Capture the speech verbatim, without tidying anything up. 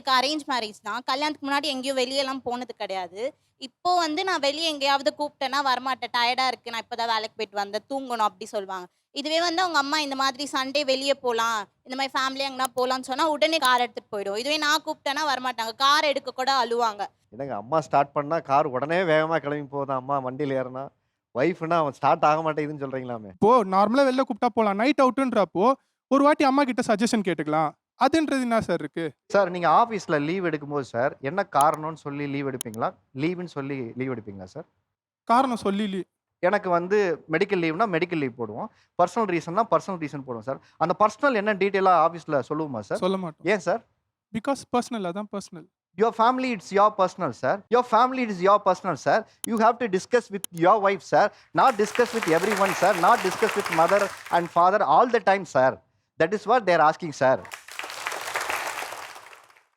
எனக்கு arrange marriage தான். கல்யாணத்துக்கு முன்னாடி எங்கேயும் வெளியலாம் போனது கிடையாது. இப்போ வந்து நான் வெளிய எங்கேயாவது கூப்பிட்டேன்னா வரமாட்டேன். டயர்டா இருக்கு. நான் இப்ப தான் வேலைக்கு போயிட்டு வந்தேன். தூங்கணும் அப்டி சொல்வாங்க. இதுவே வந்து அவங்க அம்மா இந்த மாதிரி சண்டே வெளிய போலாம். இந்த மாரி ஃபேமிலியா எங்கனா போலான்னு சொன்னா உடனே கார் எடுத்துட்டு போயிடும். இதுவே நான் கூப்பிட்டேன்னா வரமாட்டாங்க. கார் எடுக்க கூட அழுவாங்க. என்னங்க அம்மா ஸ்டார்ட் பண்ணா கார் உடனே வேகமா கிளம்பி போகுதாம் அம்மா வண்டியில ஏறுனா. ஒய்ஃப்னா அவன் ஸ்டார்ட் ஆக மாட்டேங்குதுன்னு சொல்றீங்களாமே. இப்போ நார்மலா வெளில கூப்பிட்டா போலாம். நைட் அவுட்ன்றப்போ ஒரு வாட்டி அம்மா கிட்ட சஜஷன் கேட்டுக்கலாம். அதுன்றது என்ன சார் இருக்கு? சார் நீங்க ஆபீஸ்ல லீவ் எடுக்கும்போது சார் என்ன காரணம்னு சொல்லி லீவ் எடுப்பீங்களா? லீவுன்னு சொல்லி லீவ் எடுப்பீங்களா சார்? காரணம் சொல்லி லீ எனக்கு வந்து மெடிக்கல் லீவ்னா மெடிக்கல் லீவ் போடுவோம். பர்சனல் ரீசன்னா பர்சனல் ரீசன் போடுவோம் சார். அந்த பர்சனல் என்ன டீட்டெயிலா ஆபீஸ்ல சொல்லுவோமா சார்? சொல்ல மாட்டோம். ஏன் சார்? பிகாஸ் பெர்சனல் அதான் personal. Your family, it's your personal, sir. Your family is your personal, sir. You have to discuss with your wife, sir. Not discuss with everyone, sir. Not discuss with mother and father all the time, sir. That is what they are asking, sir.